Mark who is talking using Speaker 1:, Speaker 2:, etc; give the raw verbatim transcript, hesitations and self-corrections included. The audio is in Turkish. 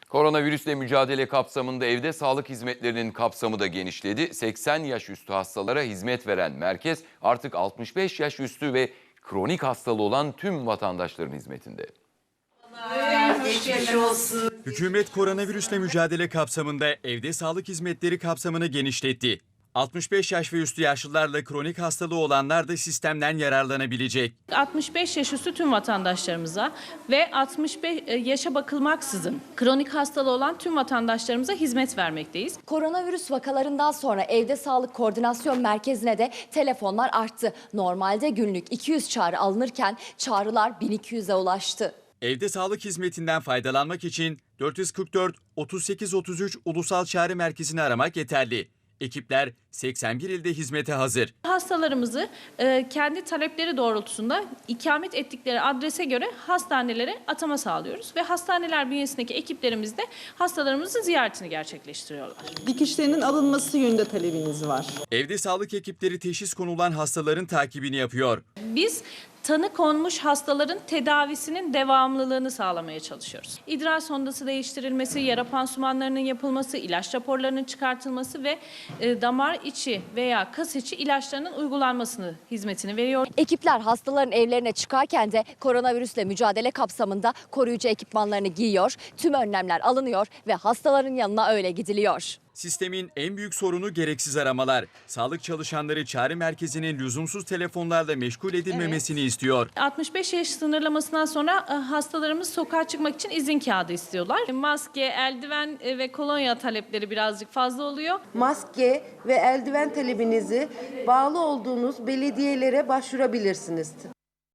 Speaker 1: Koronavirüsle mücadele kapsamında evde sağlık hizmetlerinin kapsamı da genişledi. seksen yaş üstü hastalara hizmet veren merkez artık altmış beş yaş üstü ve kronik hastalığı olan tüm vatandaşların hizmetinde.
Speaker 2: Geçmiş olsun.
Speaker 3: Hükümet koronavirüsle mücadele kapsamında evde sağlık hizmetleri kapsamını genişletti. altmış beş yaş ve üstü yaşlılarla kronik hastalığı olanlar da sistemden yararlanabilecek.
Speaker 4: altmış beş yaş üstü tüm vatandaşlarımıza ve altmış beş yaşa bakılmaksızın kronik hastalığı olan tüm vatandaşlarımıza hizmet vermekteyiz.
Speaker 5: Koronavirüs vakalarından sonra evde sağlık koordinasyon merkezine de telefonlar arttı. Normalde günlük iki yüz çağrı alınırken çağrılar bin iki yüze ulaştı.
Speaker 3: Evde sağlık hizmetinden faydalanmak için dört yüz kırk dört otuz sekiz otuz üç Ulusal Çağrı Merkezi'ni aramak yeterli. Ekipler seksen bir ilde hizmete hazır.
Speaker 4: Hastalarımızı e, kendi talepleri doğrultusunda ikamet ettikleri adrese göre hastanelere atama sağlıyoruz ve hastaneler bünyesindeki ekiplerimiz de hastalarımızın ziyaretini gerçekleştiriyorlar.
Speaker 2: Dikişlerinin alınması yönünde talebiniz var.
Speaker 3: Evde sağlık ekipleri teşhis konulan hastaların takibini yapıyor.
Speaker 4: Biz tanı konmuş hastaların tedavisinin devamlılığını sağlamaya çalışıyoruz. İdrar sondası değiştirilmesi, yara pansumanlarının yapılması, ilaç raporlarının çıkartılması ve e, damar içi veya kas içi ilaçlarının uygulanmasını hizmetini veriyor.
Speaker 5: Ekipler hastaların evlerine çıkarken de koronavirüsle mücadele kapsamında koruyucu ekipmanlarını giyiyor, tüm önlemler alınıyor ve hastaların yanına öyle gidiliyor.
Speaker 3: Sistemin en büyük sorunu gereksiz aramalar. Sağlık çalışanları çağrı merkezinin lüzumsuz telefonlarla meşgul edilmemesini
Speaker 5: Evet.
Speaker 3: istiyor.
Speaker 4: altmış beş yaş sınırlamasından sonra e, hastalarımız sokağa çıkmak için izin kağıdı istiyorlar. Maske, eldiven e, ve kolonya talepleri birazcık fazla oluyor.
Speaker 6: Maske ve eldiven talebinizi bağlı olduğunuz belediyelere başvurabilirsiniz.